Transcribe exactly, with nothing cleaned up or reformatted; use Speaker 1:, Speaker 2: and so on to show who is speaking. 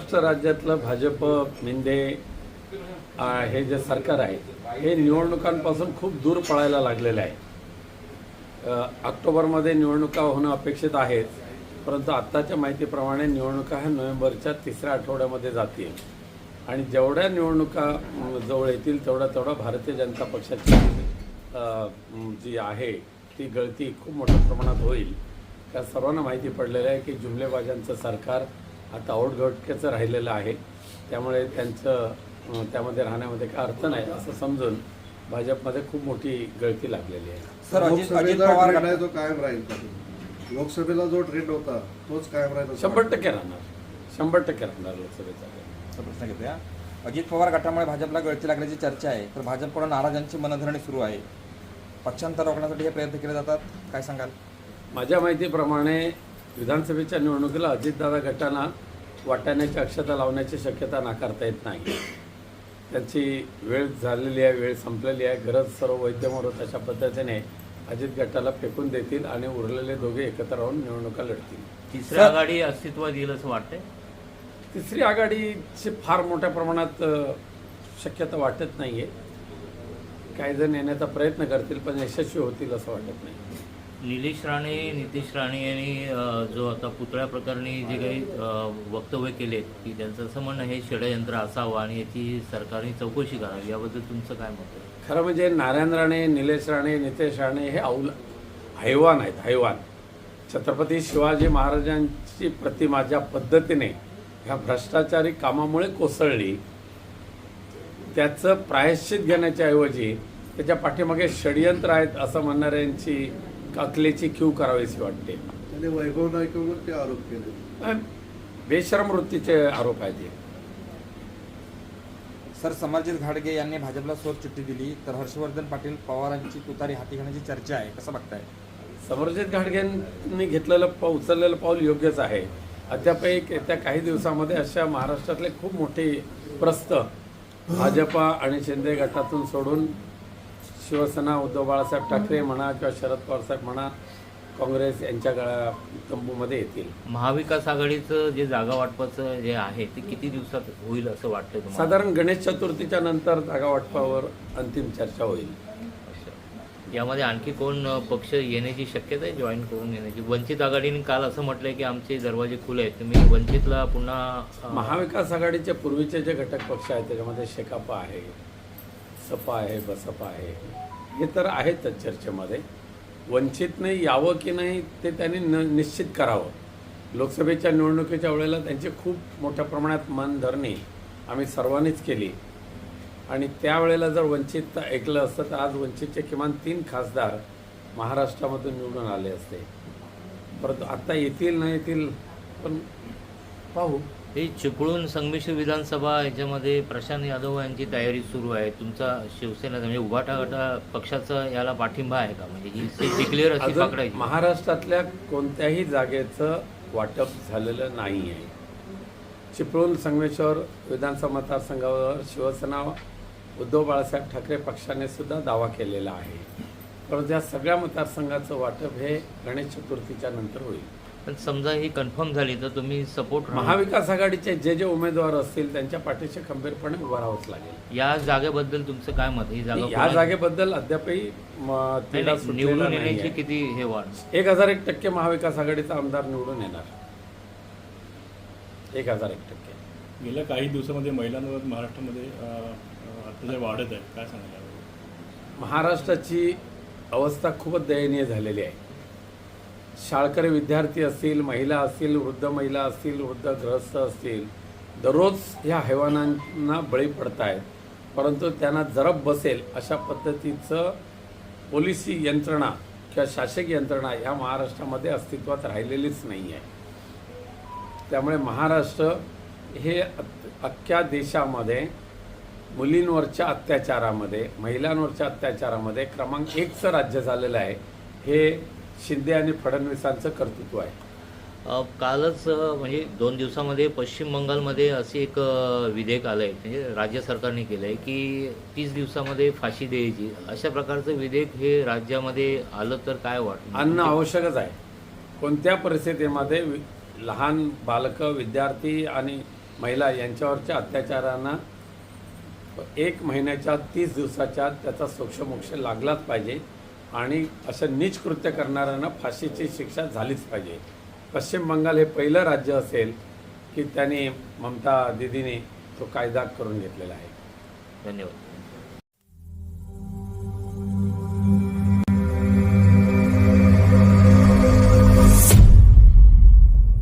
Speaker 1: महाराष्ट्र राज्यातलं भाजप मिंदे आ, हे जे सरकार आहे हे निवडणुकांपासून खूप दूर पळायला लागलेलं आहे. अ, ऑक्टोबरमध्ये निवडणुका होणं अपेक्षित आहेत, परंतु आत्ताच्या माहितीप्रमाणे निवडणुका ह्या नोव्हेंबरच्या तिसऱ्या आठवड्यामध्ये जातील आणि जेवढ्या निवडणुका अम, जवळ येतील तेवढा तेवढा भारतीय जनता पक्षाची अ, म, जी आहे ती गळती खूप मोठ्या प्रमाणात होईल. त्या सर्वांना माहिती पडलेलं आहे की जुमलेबाजांचं सरकार आता औटघटकेचं राहिलेलं आहे, त्यामुळे त्यांचं अ, त्यामध्ये राहण्यामध्ये काय अर्थ नाही असं समजून भाजपमध्ये खूप मोठी गळती लागलेली आहे.
Speaker 2: सर, अजित अजित
Speaker 3: लोकसभेचा
Speaker 2: पवार
Speaker 3: ट्रेंड आहे तो कायम राहील का? लोकसभेला जो ट्रेंड होता तोच कायम राहील असं
Speaker 1: शंभर टक्के राहणार शंभर टक्के राहणार लोकसभेचा.
Speaker 2: असा प्रश्न घेतोया. अजित पवार गटामुळे भाजपला गळती लागल्याची चर्चा आहे, तर भाजपकडून नाराजांची मनधरणी सुरू आहे. पक्षांतर रोखण्यासाठी हे प्रयत्न केले जातात, काय सांगाल?
Speaker 1: माझ्या माहितीप्रमाणे विधानसभेच्या निवडणुकीला अजितदादा गटांना वाटाण्याची अक्षता लावण्याची शक्यता नाकारता येत नाही. त्यांची वेळ झालेली आहे, वेळ संपलेली आहे. गरज सर्व वैद्यमोरत अशा पद्धतीने अजित गटाला फेकून देतील आणि उरलेले दोघे एकत्र राहून निवडणुका लढतील.
Speaker 4: तिसरी आघाडी अस्तित्वात येईल असं वाटतंय.
Speaker 1: तिसरी आघाडीची फार मोठ्या प्रमाणात अ, शक्यता वाटत नाही आहे. काही जण येण्याचा प्रयत्न करतील पण यशस्वी होतील असं वाटत नाही.
Speaker 4: निलेश राणे, नितेश राणे यांनी अ, जो आता पुतळ्या प्रकरणी जे काही अ, वक्तव्य केलेत की त्यांचं असं म्हणणं हे षडयंत्र असावं आणि याची सरकारने चौकशी करावी, याबद्दल तुमचं काय मत आहे?
Speaker 1: खरं म्हणजे नारायण राणे, निलेश राणे, नितेश राणे हे औल हैवान आहेत, हैवान. छत्रपती शिवाजी महाराजांची प्रतिमा ज्या पद्धतीने ह्या भ्रष्टाचारी कामामुळे कोसळली, त्याचं प्रायश्चित घेण्याच्या ऐवजी त्याच्या पाठीमागे षडयंत्र आहेत असं म्हणणाऱ्यांची अकलेची क्यू करावीशी वाटते.
Speaker 3: त्याने वैभव नाईकवर ते आरोप केले.
Speaker 1: बेशरम वृत्तीचे आरोप आहेत हे.
Speaker 2: सर, समरजित घाटगे यांनी भाजपला सोर चिठ्ठी दिली, तर हर्षवर्धन पाटील पवारांची तुतारी हाती घेण्याची चर्चा आहे, कसं बघताय?
Speaker 1: समरजित घाटगेंनी घेतलेलं पाऊल उचललेलं पाऊल योग्यच आहे. अद्याप एक येत्या काही दिवसामध्ये अशा महाराष्ट्रातले खूप मोठे प्रस्थ भाजपा आणि शिंदे गटातून सोडून शिवसेना, उद्धव बाळासाहेब ठाकरे म्हणा किंवा शरद पवार साहेब म्हणा, काँग्रेस यांच्या गळा तंबूमध्ये येतील.
Speaker 4: महाविकास आघाडीचं जे जागा वाटपाचं जे आहे ते किती दिवसात होईल असं वाटतंय तुम्हाला?
Speaker 1: साधारण गणेश चतुर्थीच्या नंतर जागा वाटपावर अंतिम चर्चा होईल.
Speaker 4: यामध्ये आणखी कोण अ, पक्ष येण्याची शक्यता आहे, जॉईन करून येण्याची? वंचित आघाडीने काल असं म्हटलंय की आमचे दरवाजे खुले आहेत, तुम्ही वंचितला पुन्हा अ,
Speaker 1: महाविकास आघाडीचे पूर्वीचे जे घटक पक्ष आहेत त्याच्यामध्ये शेकापा आहे, सपा आहे, बसपा आहे, हे तर आहेतच चर्चेमध्ये. वंचितने यावं की नाही ते त्यांनी न निश्चित करावं. लोकसभेच्या निवडणुकीच्या वेळेला त्यांची खूप मोठ्या प्रमाणात मनधरणी आम्ही सर्वांनीच केली आणि त्यावेळेला जर वंचित ऐकलं असतं तर आज वंचितचे किमान तीन खासदार महाराष्ट्रामधून निवडून आले असते. परंतु आत्ता येतील न येतील पण पाहू.
Speaker 4: हे चिपळूण संमिश्र विधानसभा याच्यामध्ये प्रशांत यादव यांची तयारी सुरू आहे. तुमचा शिवसेना म्हणजे उभाटा गटा पक्षाचा याला पाठिंबा आहे का? म्हणजे ही सीट डिक्लेअर अशी
Speaker 1: अजून
Speaker 4: पकडायची?
Speaker 1: महाराष्ट्रातल्या कोणत्याही जागेचं वाटप झालेलं नाही आहे. चिपळूण संगमेश्वर विधानसभा मतदारसंघावर शिवसेना, उद्धव बाळासाहेब ठाकरे पक्षाने सुद्धा दावा केलेला आहे. परंतु या सगळ्या मतदारसंघाचं वाटप हे गणेश चतुर्थीच्या नंतर होईल.
Speaker 4: पण समजा ही कन्फर्म झाली तर तुम्ही सपोर्ट
Speaker 1: महाविकास आघाडीचे जे जे उमेदवार असतील त्यांच्या पाठीशी खंबीरपणे उभं राहावंच लागेल.
Speaker 4: या जागेबद्दल तुमचं काय मत? ही जागा
Speaker 1: या
Speaker 4: कोणाची?
Speaker 1: जागेबद्दल अद्यापही म,
Speaker 4: नाही,
Speaker 1: तिढा
Speaker 4: नाही,
Speaker 1: सुटलेला
Speaker 4: निवडून
Speaker 1: नाही
Speaker 4: येण्याची
Speaker 1: आहे.
Speaker 4: किती हे वाढ?
Speaker 1: एक हजार एक टक्के महाविकास आघाडीचा आमदार निवडून येणार. एक हजार एक टक्के.
Speaker 5: गेल्या काही दिवसामध्ये महिलांवर महाराष्ट्रामध्ये अ, अ, अत्याचार वाढत आहे, काय सांगायला?
Speaker 1: महाराष्ट्राची अवस्था खूपच दयनीय झालेली आहे. शाळकरी विद्यार्थी असतील, महिला असतील, वृद्ध महिला असतील, वृद्ध गृहस्थ असतील, दररोज ह्या हैवानांना बळी पडत आहेत. परंतु त्यांना जरब बसेल अशा पद्धतीचं पोलिसी यंत्रणा किंवा शासकीय यंत्रणा ह्या महाराष्ट्रामध्ये अस्तित्वात राहिलेलीच नाही आहे. त्यामुळे महाराष्ट्र हे अख्ख्या देशामध्ये मुलींवरच्या अत्याचारामध्ये, महिलांवरच्या अत्याचारामध्ये क्रमांक एकचं राज्य झालेलं आहे. हे शिंदे आणि फडणवीसांचं कर्तृत्व आहे.
Speaker 4: अ, कालच अ, म्हणजे दोन दिवसामध्ये पश्चिम बंगालमध्ये असे एक अ, विधेयक आलं आहे, म्हणजे राज्य सरकारने केलं आहे की तीस दिवसामध्ये फाशी द्यायची. अशा प्रकारचं विधेयक हे राज्यामध्ये आलं तर काय वाटतं?
Speaker 1: आणणं आवश्यकच आहे. कोणत्या परिस्थितीमध्ये वि- लहान बालकं, विद्यार्थी आणि महिला यांच्यावरच्या अत्याचारांना एक महिन्याच्या तीस दिवसाच्या त्याचा सोक्षमोक्ष लागलाच पाहिजे आणि असं नीच कृत्य करणाऱ्यांना फाशीची शिक्षा झालीच पाहिजे. पश्चिम बंगाल हे पहिलं राज्य असेल की त्यांनी ममता दिदीने तो कायदा करून घेतलेला आहे.
Speaker 4: धन्यवाद.